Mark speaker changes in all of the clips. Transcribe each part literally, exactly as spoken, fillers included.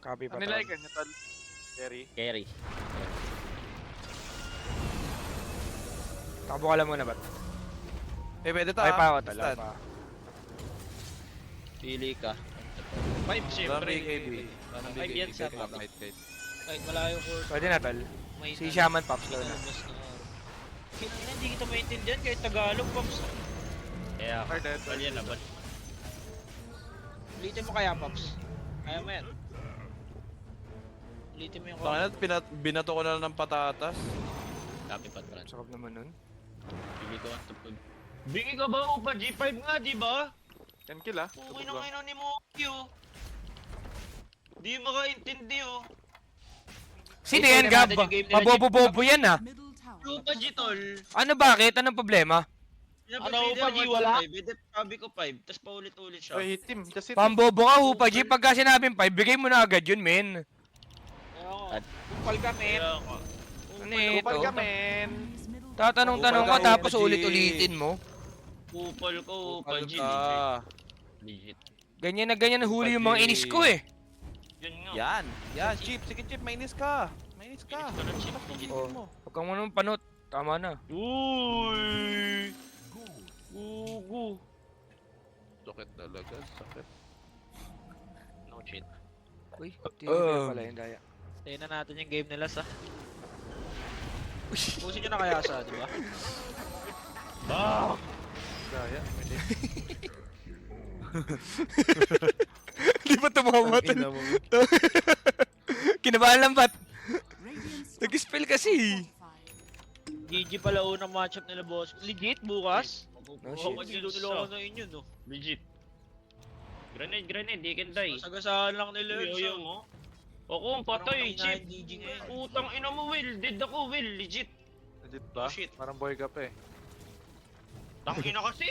Speaker 1: Copy pa.
Speaker 2: Ano nila yung ganyan, tol? Carry.
Speaker 3: Carry.
Speaker 1: Takbo ka lang muna ba't?
Speaker 4: Eh, pwede ta.
Speaker 1: Ay pa ako
Speaker 4: Stand.
Speaker 1: talaga.
Speaker 3: Pili ka.
Speaker 5: Five, syempre.
Speaker 4: Lamig, K B.
Speaker 5: Five yan sa top. Kahit malayo ko.
Speaker 1: Pwede na tol.
Speaker 5: May
Speaker 1: Si Shaman Pops daw na.
Speaker 5: Mas na. Kinangina, hindi kita maintindihan kahit Tagalog, Pops.
Speaker 3: Kaya,
Speaker 2: Or dead.
Speaker 3: well yan laban.
Speaker 5: Ulitin mo kaya, Pops. Kaya mo yan. Ulitin mo yung
Speaker 4: Bakit pinat binato ko na lang ng patatas?
Speaker 3: Copy pa tran.
Speaker 1: Sarap naman nun.
Speaker 3: Pili ko ang tupod.
Speaker 5: Bingi ka ba? Upa G five nga, di ba?
Speaker 2: ten kill ah.
Speaker 5: Uy na ngayon ni Moki, oh. Di makaintindi, oh.
Speaker 1: Sino
Speaker 5: Ito
Speaker 1: yan,
Speaker 5: na
Speaker 1: Gab?
Speaker 5: natin yung game nila,
Speaker 1: Pabobo-bobo yan ah.
Speaker 5: Upa G, tol.
Speaker 1: Ano bakit? Anong problema?
Speaker 5: Ano, Upa G, wala? Sabi ko five, tapos paulit-ulit siya.
Speaker 2: Oy, hit him. Just hit him.
Speaker 1: Pambobo ka, Hupa G. Pagka sinabing five, bigay mo na agad yun, men.
Speaker 5: Oo.
Speaker 3: At-
Speaker 5: Upal ka, men.
Speaker 3: Kaya ako.
Speaker 1: Ano eh,
Speaker 2: Kupal
Speaker 1: ito?
Speaker 2: ka, men.
Speaker 1: Tatanong-tanong ka
Speaker 4: Upal ka,
Speaker 1: tapos
Speaker 4: Hupa G.
Speaker 1: ulit-ulitin mo.
Speaker 5: Upal ko, Upa G.
Speaker 4: Ah,
Speaker 3: Legit.
Speaker 1: Ganyan na ganyan huli yung mga
Speaker 4: Hupa G.
Speaker 1: inis ko eh.
Speaker 5: Yun nga.
Speaker 4: yan. Yan, Chip. Sige, Chip. Mainis ka. Mainis ka.
Speaker 5: Mainis ka na, Chip.
Speaker 4: Legit
Speaker 1: Oh.
Speaker 4: mo.
Speaker 1: Huwag kang manong panot. Tama na.
Speaker 5: Uy! Gugu.
Speaker 4: Sakit talaga. Sakit.
Speaker 5: No cheat.
Speaker 1: Uy,
Speaker 4: Uh.
Speaker 1: tinignan pala yung daya.
Speaker 5: Tayo na natin yung game nila sa. Pusin nyo na kaya sa, di ba?
Speaker 2: Gaya.
Speaker 1: Di ba tumawa?
Speaker 4: Ina mo.
Speaker 1: Kinabahan lang ba't? Nag-spell kasi.
Speaker 5: G G pala unang matchup nila, boss. Legit, bukas?
Speaker 1: No shit.
Speaker 5: Kapag nilo nila ako na inyo, no?
Speaker 3: Legit. Grenade, grenade, they can die.
Speaker 5: Sagasaan lang nila yun.
Speaker 3: Yo, yo,
Speaker 5: so.
Speaker 3: mo. Ako, patay,
Speaker 5: Parang
Speaker 3: chip.
Speaker 5: G G ngayon.
Speaker 3: Utang ina mo, Will. Dead ako, Will. Legit.
Speaker 2: Legit ba?
Speaker 5: Oh, shit.
Speaker 2: Parang boy ka pa eh.
Speaker 3: Tangina kasi.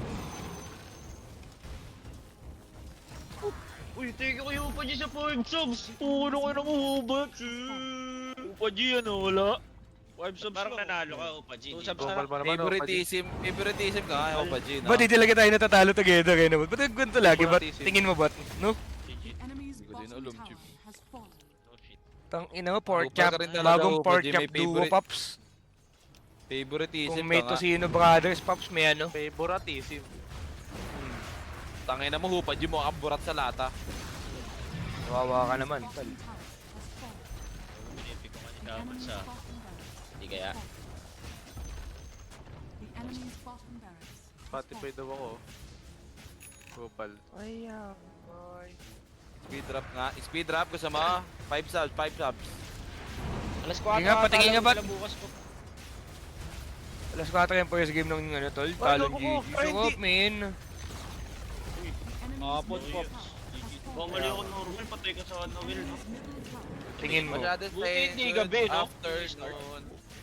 Speaker 3: Uy, thank you kayo pa dyan sa five subs. Puno kayo ng hubat.
Speaker 5: Upa G, ano, wala? five subs
Speaker 3: Parang
Speaker 5: lang.
Speaker 3: nanalo ka, Upa G.
Speaker 5: Two
Speaker 3: di
Speaker 5: subs
Speaker 3: ba?
Speaker 5: na
Speaker 2: Kupal mo naman, oh, Pagi.
Speaker 4: Favoritism. Favoritism ka nga, Opa G. no?
Speaker 1: Ba't di talaga tayo natatalo together kayo naman? Ba't nagkwento lagi? Ba't tingin mo ba't? No?
Speaker 3: Legit.
Speaker 4: Hindi ko din alam, Chip.
Speaker 3: No shit.
Speaker 1: Tang ina mo, pork
Speaker 4: Upal
Speaker 1: chop.
Speaker 4: ka rin talaga,
Speaker 1: Bagong
Speaker 4: Hupa
Speaker 1: pork
Speaker 4: G,
Speaker 1: chop
Speaker 4: may
Speaker 1: duo,
Speaker 4: favorite-
Speaker 1: Pops.
Speaker 4: Favoritism
Speaker 1: Kung may
Speaker 4: ka nga.
Speaker 1: Tosino Brothers, Pops, may ano?
Speaker 2: Favoritism.
Speaker 4: Tangina mo, Hupa G mo ang burat sa lata.
Speaker 1: Kawawa ka naman. Tol.
Speaker 3: Pinipi ko nga ni Daman sa... Hindi kaya.
Speaker 2: Spotify daw ako. Kupal.
Speaker 1: Ay, boy.
Speaker 4: Speed drop nga. Speed drop gusto mo? five subs, five subs.
Speaker 5: Alas kwatro.
Speaker 1: Sige nga, patingin nga, ba't?
Speaker 5: Bukas ko.
Speaker 1: Alas four yung first game ng ano, tol. Talon G G. So up, man.
Speaker 5: Kapon, Pops.
Speaker 3: Kung mali ako normal, patay ka sa ano, Will, no?
Speaker 1: Tingin mo.
Speaker 4: Masyado
Speaker 5: Buti hindi gabi, no?
Speaker 4: Afternoon.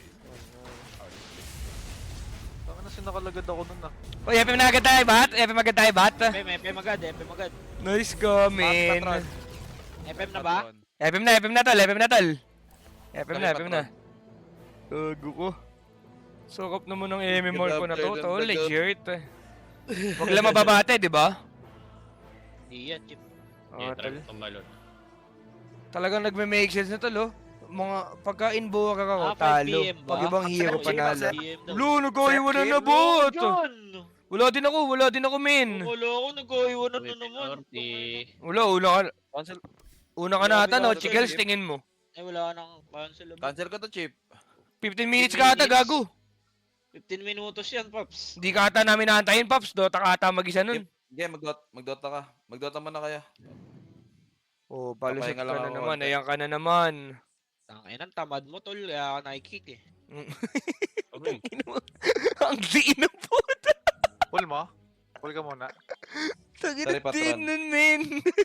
Speaker 2: Baka na sinakalagad ako nun ah.
Speaker 1: Uy, F M na agad tayo, bat? F M agad tayo, bat?
Speaker 5: F M, F M agad, F M agad.
Speaker 1: Nice go, man.
Speaker 4: Patron.
Speaker 5: F M na ba?
Speaker 1: F M na, F M na, tol. F M na, tol. F M na, F M na.
Speaker 4: Patron.
Speaker 1: Gago ko. Sukap naman ng M M R ko na to,
Speaker 4: Ganda,
Speaker 1: tol.
Speaker 4: ganda.
Speaker 1: Legit. Huwag lang mababate, di ba?
Speaker 5: Hindi yan, Chip.
Speaker 3: Hindi,
Speaker 1: Oo,
Speaker 3: try
Speaker 1: tol.
Speaker 3: mo tumalon.
Speaker 1: Talagang nagme-make sense na, tol, oh. Mga pagka-inboa ka ako,
Speaker 5: Ah, five
Speaker 1: talo.
Speaker 5: P M ba?
Speaker 1: Pag ibang hero,
Speaker 5: Sige,
Speaker 1: panalo.
Speaker 5: P M daw.
Speaker 1: Lu, nag-iwan na na, bot!
Speaker 5: John!
Speaker 1: Wala din ako, wala din ako, men.
Speaker 5: Wala ako, nag-iwanan na
Speaker 3: Uy,
Speaker 5: naman.
Speaker 3: Pinorti.
Speaker 1: Wala, una ka.
Speaker 4: Cancel,
Speaker 1: Una ka na ata, no? Chikels, tingin mo.
Speaker 5: Eh, wala nang cancel.
Speaker 4: cancel ko to, Chip.
Speaker 1: fifteen minutes ka ata, gago.
Speaker 5: fifteen minutos yan, Pops.
Speaker 1: Hindi ka ata namin naantayin, Pops. Dota ka ata mag-isa nun.
Speaker 4: Sige, magdot, magdota ka. Magdota mo na kaya.
Speaker 1: Oh, palusot
Speaker 4: Papahinga
Speaker 1: ka
Speaker 4: lang
Speaker 1: na
Speaker 4: ako
Speaker 1: naman.
Speaker 4: konti.
Speaker 1: Ayan ka na naman.
Speaker 5: Tangin ang tamad mo, tol. Kaya ka nakikick eh.
Speaker 3: Okay.
Speaker 1: Ang diin ng puta.
Speaker 2: Pull mo? Pull ka muna.
Speaker 1: Tagin
Speaker 4: Sorry,
Speaker 1: na
Speaker 4: patron.
Speaker 1: din nun, men.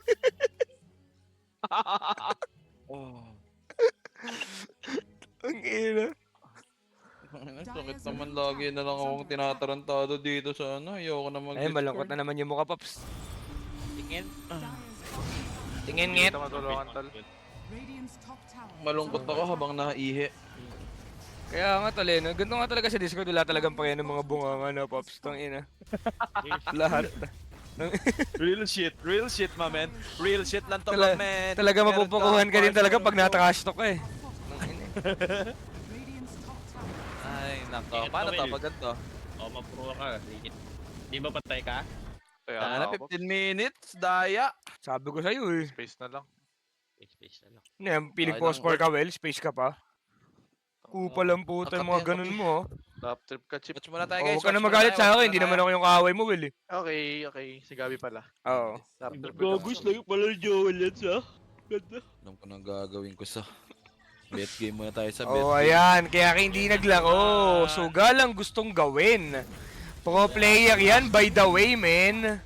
Speaker 4: Oh.
Speaker 1: Ang ina.
Speaker 4: Sakit naman lagi na lang akong tinatarantado dito sa ano. Ayoko na mag
Speaker 1: Ay, malungkot na naman yung mukha, Pops.
Speaker 5: Tingin.
Speaker 1: Tingin,
Speaker 2: Hindi
Speaker 1: ngit.
Speaker 2: kita matulungan, tol.
Speaker 4: Malungkot ako habang naihi.
Speaker 1: Kaya nga, tol, eh. no? Ganito nga talaga sa Discord. Wala talagang pakyan ng mga bunga nga na, Pops. Tang ina. Lahat.
Speaker 4: Real shit, real shit, my man. Real shit lang to,
Speaker 1: Tala-
Speaker 4: my man.
Speaker 1: Talaga
Speaker 4: Meron
Speaker 1: mapupukuhan ka din
Speaker 4: kang
Speaker 1: talaga
Speaker 4: parts
Speaker 1: pag
Speaker 4: of-
Speaker 1: nata-cash talk ka eh.
Speaker 4: Ay, nako.
Speaker 3: Ingat
Speaker 4: Paano
Speaker 3: ka,
Speaker 4: to?
Speaker 3: Will.
Speaker 4: Pag ganito?
Speaker 3: Oh, mapro ka. Legit. Di ba patay ka?
Speaker 2: Kaya
Speaker 4: Sana
Speaker 2: nga ako.
Speaker 4: fifteen minutes, daya.
Speaker 1: Sabi ko sa'yo eh.
Speaker 2: Space na lang.
Speaker 3: Space, space na lang.
Speaker 1: Ano yan, piling
Speaker 4: Okay
Speaker 1: ko
Speaker 4: lang,
Speaker 1: score ka well, space ka pa. Kupa lang puta
Speaker 4: Ang
Speaker 1: yung mga
Speaker 4: kape, ang
Speaker 1: ganun
Speaker 4: kape.
Speaker 1: mo. oh.
Speaker 2: Top trip ka, Chip.
Speaker 4: Watch muna tayo,
Speaker 1: Oh,
Speaker 4: guys.
Speaker 1: huwag ka na
Speaker 4: Watch muna
Speaker 1: magalit
Speaker 4: tayo,
Speaker 1: sa
Speaker 4: watch
Speaker 1: akin,
Speaker 4: muna
Speaker 1: hindi naman
Speaker 4: tayo.
Speaker 1: ako yung kaaway mo, Will eh.
Speaker 2: Okay, okay. Si Gabi pala.
Speaker 1: Oo.
Speaker 2: Top trip ka
Speaker 3: Gagos lang pala yung Joel yan sa. Ganda.
Speaker 4: Alam ko nang gagawin ko sa... Bet game muna tayo sa bet
Speaker 1: Oh,
Speaker 4: game.
Speaker 1: ayan. Kaya ka hindi naglaro. Suga lang gustong gawin. Pro player yan, by the way, men.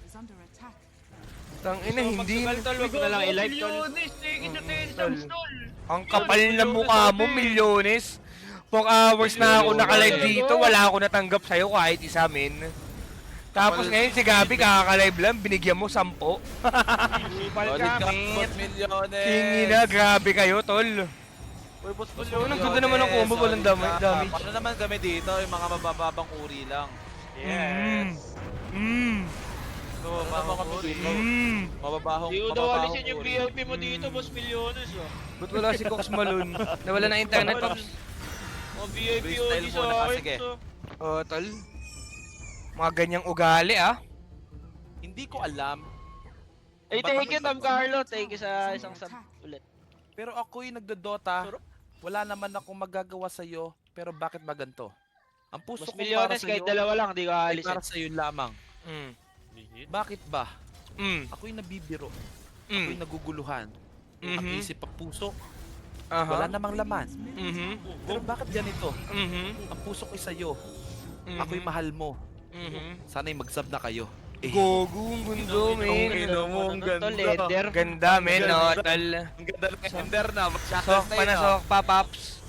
Speaker 1: Tangina, hindi.
Speaker 5: Tol, tol, wag mo na lang i-live, tol.
Speaker 3: Milyones, take it to ten
Speaker 1: Tol.
Speaker 3: subs, tol.
Speaker 1: Ang kapal na mukha mo, milyones. four hours na ako nakalive dito, wala ako natanggap sa'yo kahit isa, men. Tapos ngayon si Gabi kakalive lang, binigyan mo sampo.
Speaker 5: Kupal
Speaker 4: Solid
Speaker 5: ka,
Speaker 4: ka,
Speaker 5: men.
Speaker 4: boss milyones.
Speaker 1: Kingina, grabe kayo, tol.
Speaker 2: Uy, boss mo
Speaker 1: Ang ganda naman ng combo, walang damage. damage.
Speaker 4: Ano naman kami dito, yung mga mabababang uri lang.
Speaker 1: Mm. Mm.
Speaker 2: So,
Speaker 4: Ano naman kami dito?
Speaker 1: Mm.
Speaker 4: Mababahong,
Speaker 5: Di ko daw
Speaker 4: mababahong
Speaker 5: alisin yung V
Speaker 4: uri.
Speaker 5: I P mo dito, boss Milyones, oh.
Speaker 1: Ba't wala si Cox Malone? Nawala ng internet, Pops.
Speaker 5: Oh, V I P
Speaker 4: Freestyle
Speaker 5: only
Speaker 4: muna
Speaker 5: sa
Speaker 4: ka,
Speaker 5: akin,
Speaker 4: sige.
Speaker 5: so.
Speaker 1: Oh, tol. Mga ganyang ugali, ah.
Speaker 4: Hindi ko alam.
Speaker 5: Ay, thank you, Tom Carlo. Thank you sa isang sub ulit.
Speaker 4: Pero ako'y nagdodota. Wala naman akong magagawa sa'yo. Pero bakit ba ganito? Ang puso
Speaker 5: Boss
Speaker 4: ko para
Speaker 5: Milyones, kahit
Speaker 4: sa'yo
Speaker 5: dalawa lang, di ko
Speaker 4: ay
Speaker 5: alisin.
Speaker 4: para sa'yo lamang.
Speaker 1: Mm.
Speaker 4: Bakit ba?
Speaker 1: Mm.
Speaker 4: Ako'y nabibiro. Ako'y
Speaker 1: Mm.
Speaker 4: naguguluhan. Ang
Speaker 1: Mhm.
Speaker 4: isip at puso.
Speaker 1: Aha.
Speaker 4: Wala namang laman.
Speaker 1: Mhm.
Speaker 4: Pero bakit ganito?
Speaker 1: Mhm.
Speaker 4: Ang puso ko'y sa'yo.
Speaker 1: Mhm.
Speaker 4: Ako'y mahal mo.
Speaker 1: Mhm.
Speaker 4: Sana'y mag-sub na kayo. Eh,
Speaker 1: Gogo, ang gundo, men.
Speaker 4: mo, ang
Speaker 5: Tol, ender.
Speaker 1: Ganda, men, no, tol.
Speaker 4: Ang ganda ng ender na.
Speaker 1: Sok pa na sok pa, Pops.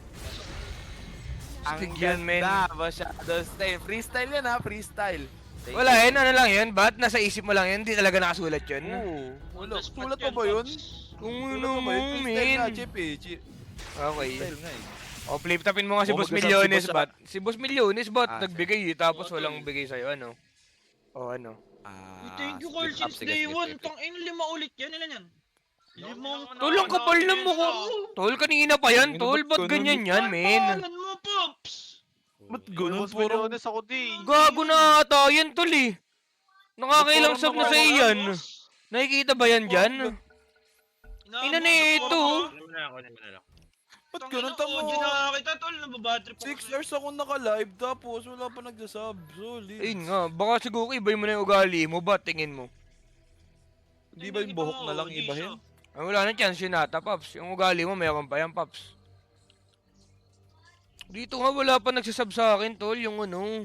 Speaker 4: Ang
Speaker 1: Stig yun, men.
Speaker 4: ganda. Masyado stay. Freestyle yan ha, freestyle. Thank
Speaker 1: Wala,
Speaker 4: you.
Speaker 1: yun, ano lang yun? Ba't nasa isip mo lang yun? Hindi talaga nakasulat yun.
Speaker 4: Oo. Wala.
Speaker 5: Tapos
Speaker 4: Sulat
Speaker 5: pat
Speaker 4: pa ba yun?
Speaker 1: Kung
Speaker 4: Sulat
Speaker 1: ano
Speaker 4: pa
Speaker 1: mo,
Speaker 4: ba yun? Freestyle nga,
Speaker 1: men.
Speaker 4: Chip eh. Chip.
Speaker 1: Okay.
Speaker 4: Freestyle nga eh.
Speaker 1: O, flip tapin mo nga si
Speaker 4: Oh,
Speaker 1: Boss
Speaker 4: magkasama si
Speaker 1: Milyones,
Speaker 4: Boss,
Speaker 1: bat? Si Boss Milyones, bat?
Speaker 4: Ah,
Speaker 1: Nagbigay eh, tapos
Speaker 5: Oh,
Speaker 1: walang
Speaker 5: tol.
Speaker 1: bigay sa'yo, ano? O, ano?
Speaker 4: Ah,
Speaker 5: Thank you,
Speaker 4: split
Speaker 5: Carl,
Speaker 4: up.
Speaker 5: since
Speaker 4: Sige,
Speaker 5: day
Speaker 4: sige,
Speaker 5: one.
Speaker 4: sige.
Speaker 5: Tang in, lima ulit yan. Ilan yan? Limang...
Speaker 1: Tol, ang kapal ng mukha mo. Tol, kanina pa yan, tol. Ba't ganyan yan, men?
Speaker 5: Pangalan mo, Pops!
Speaker 4: Ba't
Speaker 2: Uy,
Speaker 4: ganun?
Speaker 2: boss
Speaker 4: Puro...
Speaker 2: Milyones ako di.
Speaker 1: Gago na ata yan, tol eh. Nakakailang
Speaker 5: Parang
Speaker 1: sub na sa
Speaker 5: nawawala,
Speaker 1: iyan.
Speaker 5: boss.
Speaker 1: Nakikita ba yan dyan?
Speaker 5: Inaabot
Speaker 1: Ina na
Speaker 5: sa
Speaker 1: ito.
Speaker 5: forma.
Speaker 3: Ano mo na ako, ano mo na lang.
Speaker 4: Ba't
Speaker 5: Tang
Speaker 4: ganun
Speaker 5: ina,
Speaker 4: tamo?
Speaker 5: O G na kita, tol. Nababatrip ako
Speaker 4: Six
Speaker 5: sa'yo.
Speaker 4: years ako naka-live tapos wala pa nagsasub. Solid.
Speaker 1: Ayun nga, baka siguro ibay mo na yung ugali mo, ba? Tingin mo.
Speaker 4: Di ba yung
Speaker 5: Kita
Speaker 4: buhok
Speaker 5: mo,
Speaker 4: na lang
Speaker 5: O G
Speaker 4: ibahin?
Speaker 5: siya.
Speaker 1: Ay, wala na chance yun ata, Paps. Yung ugali mo, mayroon pa yan, Paps. Dito nga, wala pa nagsasub sa akin, tol. Yung ano.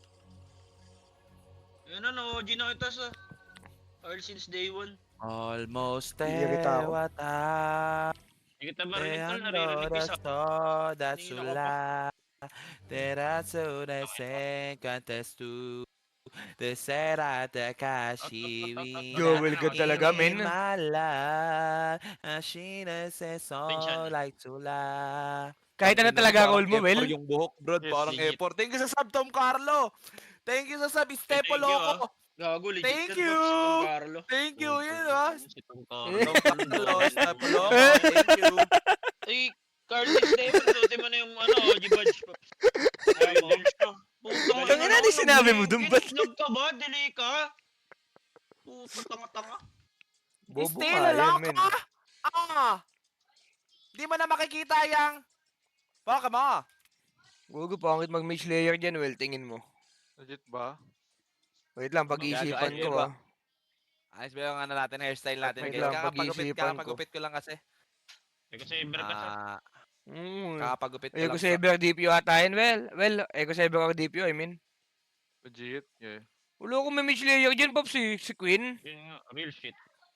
Speaker 5: Yan ano, O G na kita sa... Earl since day one.
Speaker 4: Almost
Speaker 1: Iirita
Speaker 4: there,
Speaker 1: ako.
Speaker 4: what up?
Speaker 3: Hindi kita marinig, tol. Naririnig ko sa...
Speaker 4: that's
Speaker 5: Kanina ka
Speaker 4: ula. Terazo de senkantes tu. De serata kashi.
Speaker 1: Joel, good talaga, men.
Speaker 4: Mala. Ashina se so
Speaker 5: Attention.
Speaker 4: like tula.
Speaker 1: Kahit ano talaga role mo, Will.
Speaker 4: Yung buhok, bro.
Speaker 5: Yes,
Speaker 4: Parang
Speaker 5: legit.
Speaker 4: effort. Thank you sa sub, Tom Carlo. Thank you sa sub, Stepo
Speaker 5: Thank you, ah.
Speaker 4: Loco.
Speaker 5: Gago, legit
Speaker 4: Thank
Speaker 5: yan,
Speaker 4: you.
Speaker 5: Pops, si Don Carlo.
Speaker 4: Thank you, yun ah.
Speaker 3: Si Tom Carlo.
Speaker 4: Tom Carlo, Stepo Loco. Thank you.
Speaker 5: Ay, Carl, since day one, suotin mo na yung ano, O G badge, Pops. Ay, mo. Putang
Speaker 1: Tangina,
Speaker 5: ina,
Speaker 1: di sinabi mo
Speaker 5: nag-
Speaker 1: dun, ba't-
Speaker 5: Nag ka ba? Delay ka? Putang tanga-tanga.
Speaker 1: Bobo
Speaker 4: Stay
Speaker 1: ka,
Speaker 4: na
Speaker 1: yan,
Speaker 4: lang
Speaker 1: men.
Speaker 4: ka! Ah! Di mo na makikita yang... Baka mo.
Speaker 1: Gogo, pangit mag-mage layer dyan, Will. Tingin mo.
Speaker 2: Legit ba?
Speaker 1: Wait lang, pag-iisipan
Speaker 4: Gagawin
Speaker 1: ko,
Speaker 4: ba?
Speaker 1: ah.
Speaker 4: Ayos ba yung ano natin, hairstyle natin?
Speaker 1: Wait
Speaker 4: guys?
Speaker 1: lang,
Speaker 4: Kakapagupit,
Speaker 1: pag-iisipan ko.
Speaker 4: kakapagupit ko lang kasi.
Speaker 3: Ikaw sa Iber ka, sir.
Speaker 4: Ah,
Speaker 1: Mm.
Speaker 4: kakapagupit ko
Speaker 1: Ego
Speaker 4: lang. sa-
Speaker 1: Saber D P U ata yun, Well. Well, Ego Saber ako D P U, I mean.
Speaker 2: Legit? Yeah.
Speaker 1: Wala akong may mage layer dyan, Pops, si, si Queen.
Speaker 3: Yun nga, real shit.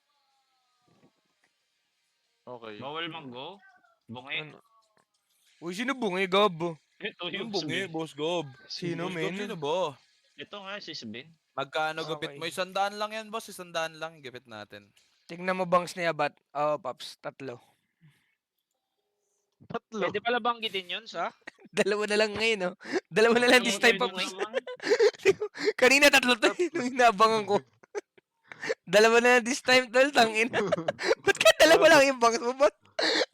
Speaker 2: Okay.
Speaker 3: Bawal mang-go. Bungi.
Speaker 1: Ano? Uy, sino bungi, Gab?
Speaker 3: Ito
Speaker 4: Yung
Speaker 3: yung
Speaker 4: bungi,
Speaker 3: Sbin.
Speaker 4: Boss Gob.
Speaker 1: Sino,
Speaker 4: Boss
Speaker 1: men?
Speaker 4: Gob, sino ba?
Speaker 3: Ito nga, si Sbin.
Speaker 4: Magkano gupit
Speaker 1: Okay.
Speaker 4: mo? Isandaan lang yan, boss. Isandaan lang. Gupit natin.
Speaker 1: Tingnan mo bangs niya, bat? Oo, Pops, tatlo.
Speaker 2: Tatlo.
Speaker 5: Pwede pala banggitin yun, sa?
Speaker 1: Dalawa na lang ngayon, no? Dalawa na lang this time,
Speaker 3: Pwede
Speaker 1: Pops.
Speaker 3: naman.
Speaker 1: Kanina tatlo to, eh, nung inabangan ko. Dalawa na this time, tol. Tangin. Ba't ka dalawa lang yung bangs mo, bot?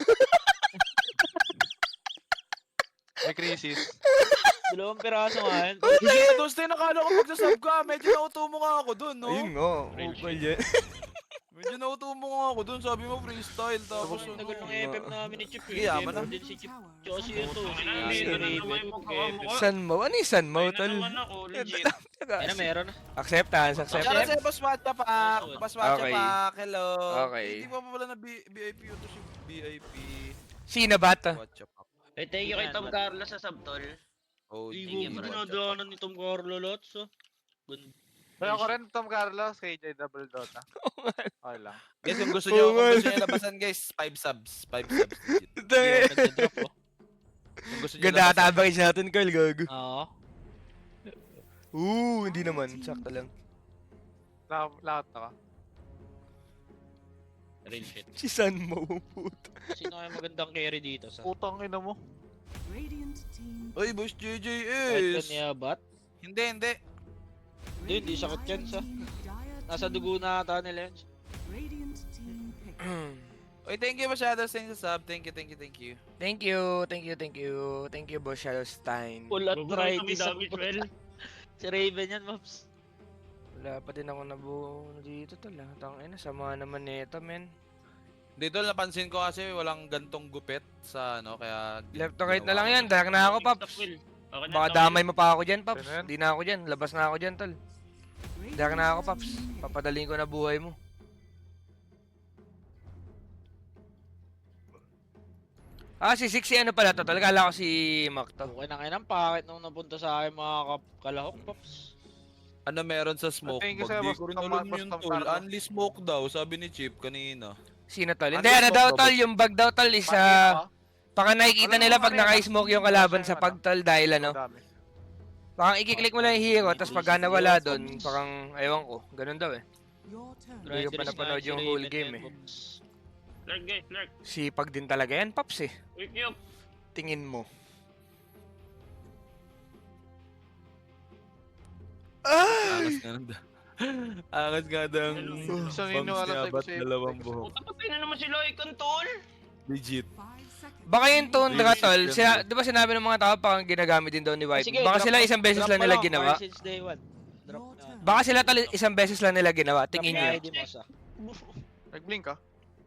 Speaker 2: May crisis.
Speaker 5: Dalawang piraso nga yan.
Speaker 4: Legit, Dos din, nakala ko magsasub ka. Medyo nauto mo nga ako dun, no?
Speaker 1: Ayun nga.
Speaker 5: Real
Speaker 1: Upal yan.
Speaker 4: Medyo nauto mo nga ako dun. Sabi mo freestyle. Tapos
Speaker 5: Ang
Speaker 4: ano.
Speaker 5: tagal ng F M namin ni Chip.
Speaker 4: Sige, yaman na.
Speaker 5: Din si Chip. Tsaka si ito. Si
Speaker 3: Hindi,
Speaker 5: si
Speaker 3: ano
Speaker 5: Raven.
Speaker 3: naman yung magkakamukha?
Speaker 1: San mo? Ano yung san mo,
Speaker 3: Ay, na
Speaker 1: tol?
Speaker 3: naman ako, legit.
Speaker 5: Ay na, meron na.
Speaker 1: Acceptance,
Speaker 4: Shout out
Speaker 1: acceptance.
Speaker 4: sa'yo, Boss Watcha Pak. Boss Watcha
Speaker 1: Okay.
Speaker 4: Pak. Hello.
Speaker 1: Okay.
Speaker 4: Hindi mo pa pala na B- VIP yun to si B I P.
Speaker 1: Sino ba to?
Speaker 4: Watcha Pak.
Speaker 3: Eh, thank you kay Tom Carlos sa subtol.
Speaker 4: Oh,
Speaker 5: Hindi
Speaker 3: Thank you,
Speaker 5: mo
Speaker 3: bro.
Speaker 5: dinadaanan ni Tom Carlo lots, oh. Ganda.
Speaker 2: Pero ako rin, Tom Carlos, K J Double Dota. Okay lang.
Speaker 4: Guys, kung gusto nyo,
Speaker 1: Oo nga.
Speaker 4: kung gusto nyo labasan guys, five subs. five subs. legit.
Speaker 5: Hindi ako nagda-drop, oh.
Speaker 4: Kung gusto nyo
Speaker 1: Ganda
Speaker 4: labasan.
Speaker 1: tabakis natin, Carl, gago.
Speaker 5: Oo.
Speaker 1: Oo, hindi naman. Sakto lang.
Speaker 2: Lahat, lahat ako.
Speaker 5: Real shit.
Speaker 1: Si San mo, puto.
Speaker 5: Sino kaya magandang carry dito sa?
Speaker 2: Putang ina mo.
Speaker 4: Uy, Boss J J
Speaker 5: Kahit
Speaker 4: S.
Speaker 5: niya bat?
Speaker 4: Hindi, hindi.
Speaker 5: Hindi, hindi sakit yan sa. Nasa dugo na ata nila yun.
Speaker 4: Uy, thank you masyado sa inyo sa sub. Thank you, thank you, thank you.
Speaker 1: Thank you, thank you, thank you. Thank you, Boss Shadowstein.
Speaker 5: Full
Speaker 3: Buburo sa may
Speaker 5: arthritis sa
Speaker 3: damage, well.
Speaker 5: Si Raven yan, Maps.
Speaker 1: Wala pa din ako nabuo dito, tol. ah. Tangina, sama naman nito, men.
Speaker 4: Dito napansin ko kasi walang gantong gupit sa ano, kaya...
Speaker 1: Left to right na lang yan. Dark na ako, Paps.
Speaker 3: Okay na,
Speaker 1: Baka
Speaker 3: okay.
Speaker 1: damay mo pa ako dyan, Paps.
Speaker 2: Ganun.
Speaker 1: Di na ako dyan. Labas na ako dyan, tol. Dark na ako, Paps. Papadaling ko na buhay mo. Ah, si Sixy ano pala to? Talaga kala ko si Mac to.
Speaker 5: Okay na kayo ng pakit nung napunta sa akin mga kap- kalahok, Paps.
Speaker 4: Ano meron sa smoke
Speaker 2: Thank you
Speaker 4: bag?
Speaker 2: sa'yo,
Speaker 4: Di
Speaker 2: Boss
Speaker 4: ko rin
Speaker 2: Tom-
Speaker 4: alam
Speaker 2: Boss
Speaker 4: yun,
Speaker 2: Tom
Speaker 4: tol.
Speaker 2: Carlos.
Speaker 4: Only smoke daw, sabi ni Chip kanina.
Speaker 1: Sino tol?
Speaker 4: Ano
Speaker 1: Hindi,
Speaker 4: yung
Speaker 1: ano
Speaker 4: smoke
Speaker 1: daw
Speaker 4: daw,
Speaker 1: tol?
Speaker 4: boss?
Speaker 1: Yung bag daw tol is
Speaker 2: Pati
Speaker 1: ah,
Speaker 2: ako,
Speaker 1: baka nakikita
Speaker 2: Wala
Speaker 1: nila
Speaker 2: naman
Speaker 1: pag
Speaker 2: yan,
Speaker 1: naka-smoke
Speaker 2: ah.
Speaker 1: yung kalaban
Speaker 2: Wala
Speaker 1: sa
Speaker 2: naman,
Speaker 1: pag tol dahil ano.
Speaker 2: Madami.
Speaker 1: Parang i-click mo lang yung hero, tapos pagka nawala doon, parang, ewan ko, ganun daw eh. Hindi ko pa napanood yung whole game eh.
Speaker 3: Lurk, guys, lurk.
Speaker 1: Sipag din talaga yan, Paps eh.
Speaker 3: Wake you up.
Speaker 1: Tingin mo.
Speaker 4: Angas nga nang... Angas nga ng...
Speaker 2: Gusto nyo alam tayo
Speaker 4: ba't
Speaker 2: kasi-
Speaker 4: dalawang buhok.
Speaker 3: Puta, patay na naman sila, ikon, tol.
Speaker 4: Legit.
Speaker 1: Baka yung tundra
Speaker 4: Really?
Speaker 1: tol,
Speaker 4: Ganun.
Speaker 1: sila, di ba sinabi ng mga tao parang ginagamit din daw ni White?
Speaker 5: Sige,
Speaker 1: Baka
Speaker 5: drop
Speaker 1: sila
Speaker 5: mo-
Speaker 1: isang beses
Speaker 5: drop
Speaker 1: lang
Speaker 5: mo
Speaker 1: nila
Speaker 5: lang,
Speaker 1: ginawa.
Speaker 5: fire since day one. Drop na.
Speaker 1: Baka sila tol isang beses lang nila ginawa, tingin
Speaker 5: Drop
Speaker 1: nyo.
Speaker 5: na I D mo sa.
Speaker 2: Nag-blink ka?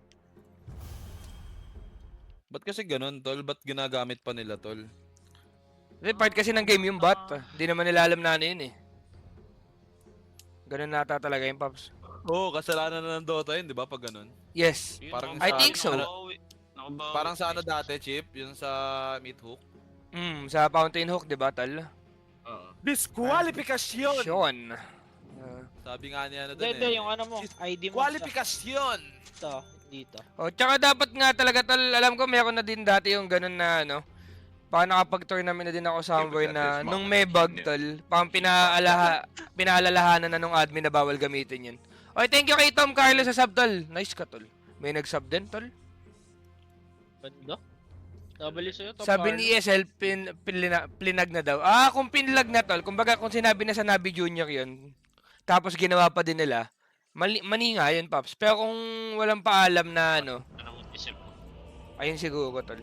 Speaker 4: Ba't kasi ganun, tol? Ba't ginagamit pa nila, tol?
Speaker 1: Kasi part kasi ng game yung bot. Hindi naman nila alam na ano yun eh. Ganun nata talaga yung Paps.
Speaker 4: Oo, oh, kasalanan na ng Dota yun, di ba? Pag ganun.
Speaker 1: Yes.
Speaker 3: Yun,
Speaker 4: Parang
Speaker 3: nakabawi,
Speaker 1: I think so.
Speaker 3: nakabawi. Nakabawi.
Speaker 4: Parang sa ano dati, Chip? Yung sa Meat Hook.
Speaker 1: Mm, sa Fountain Hook, di ba tol?
Speaker 3: Oo.
Speaker 4: Disqualification!
Speaker 1: Sean. Uh,
Speaker 4: Sabi nga niya ano dun
Speaker 5: Hindi,
Speaker 4: eh.
Speaker 5: yung ano mo, I D mo sa.
Speaker 4: Qualification!
Speaker 5: Dito, dito.
Speaker 1: oh, tsaka dapat nga talaga tol, alam ko meron na din dati yung ganun na ano. Parang nakapag-tournament na din ako somewhere na nung may bug tol, parang pinaalaha, pinaalalahanan na nung admin na bawal gamitin yun. Okay, thank you kay Tom Carlos sa sub tol. Nice ka tol. May nag-sub din tol.
Speaker 5: Ganda. W sa'yo, Tom
Speaker 1: Sabi
Speaker 5: Carlo.
Speaker 1: ni E S L, pin, pinlina, plinag na daw. Ah, kung pinlag na tol, kumbaga kung sinabi na sa Nabi Junior yun, tapos ginawa pa din nila, mali, mani nga yun, Paps. Pero kung walang paalam na ano,
Speaker 3: Ano mo isip ko?
Speaker 1: ayun siguro tol.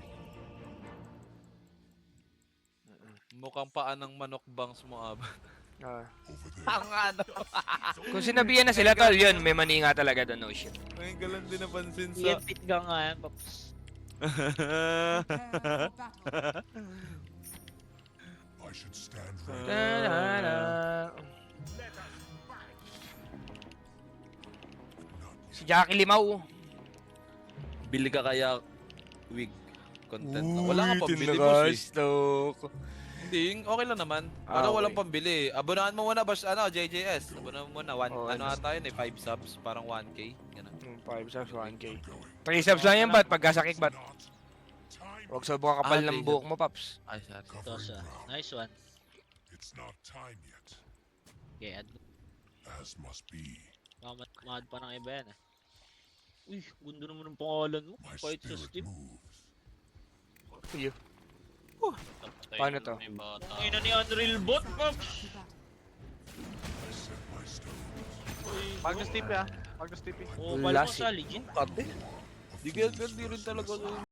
Speaker 4: Mukhang paan ng manok bangs mo, ab.
Speaker 1: Ah.
Speaker 4: Ang ano?
Speaker 1: Kung sinabihan na sila tol, yun, may mani nga talaga doon, no shit.
Speaker 4: Ngayon ka lang din napansin
Speaker 5: Ian
Speaker 4: sa...
Speaker 5: Pit gang nga yan, Paps.
Speaker 1: Ta-da-da. Si Jackie Limau.
Speaker 4: Bili ka kaya wig content na. Wala nga pambili, boss eh.
Speaker 1: Tinakastok.
Speaker 4: Hindi, okay lang naman.
Speaker 1: Ah,
Speaker 4: Ano walang
Speaker 1: okay.
Speaker 4: pambili. Abonahan mo muna, boss, ano, J J S. Abonahan mo muna. One,
Speaker 1: Oh,
Speaker 4: ano
Speaker 1: ano?
Speaker 4: ata yun eh, five subs, parang one K. Ganun.
Speaker 1: five subs, one K. three subs lang yan, bat? Pagkasakik, bat? Huwag sobrang kapal
Speaker 4: Ah,
Speaker 1: ng
Speaker 4: three
Speaker 1: buhok mo, Paps.
Speaker 4: Ay, sorry.
Speaker 5: Ito siya. Nice one.
Speaker 6: It's not time yet,
Speaker 5: Okay, add.
Speaker 6: as must be.
Speaker 5: Mamad mahad pa ng iba yan eh. Uy, gundo naman ng pangalan mo.
Speaker 6: My
Speaker 5: Fight sa
Speaker 6: spirit
Speaker 5: Steam.
Speaker 6: moves.
Speaker 1: Iyo.
Speaker 3: Patay
Speaker 1: Paano
Speaker 3: na
Speaker 1: to?
Speaker 3: may bata.
Speaker 5: Ang ina ni Unreal Bot, Paps.
Speaker 6: I set my stones.
Speaker 2: Magnus T P ah. Magnus T P.
Speaker 5: Oo,
Speaker 4: Wala
Speaker 5: pala mo
Speaker 4: si-
Speaker 5: sa legit.
Speaker 4: Ate. Di kaya di rin talaga